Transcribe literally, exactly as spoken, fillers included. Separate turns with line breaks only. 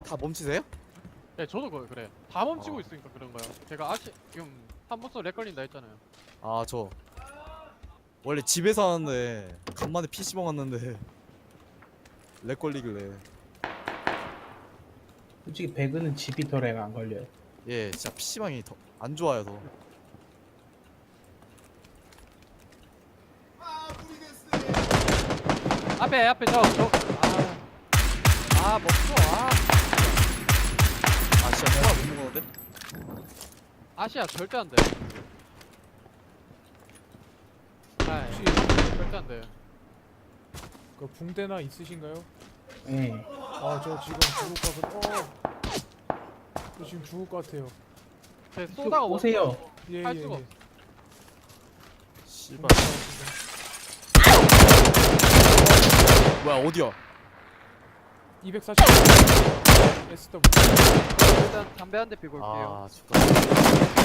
다 멈추세요?
네 저도 그 그래. 다 멈추고
어.
있으니까 그런 거야. 제가 아시 지금 한 번도 렉 걸린다 했잖아요.
아 저 원래 집에서 하는데 간만에 피시방 왔는데 렉 걸리길래.
솔직히 배그는 집이 더 렉 안 걸려요.
예 진짜 피시방이 더 안 좋아요 더.
앞에 앞에 저 저. 아, 아 멈춰. 아
아 진짜 통화 못 먹었는데?
아시아 절대 안 돼. 아
혹시
절대 안 돼.
그 붕대나 있으신가요?
예.
아 저 지금 죽을 것 같아. 어. 저 지금 죽을 것 같아요.
제 쏘다가 멈-
오세요.
예예
할
예.
수가
예.
없어.
씨발. 뭐야 어디야?
이백사십 에스더블유.
일단 담배 한 대 피고 올게요.
아 죽다.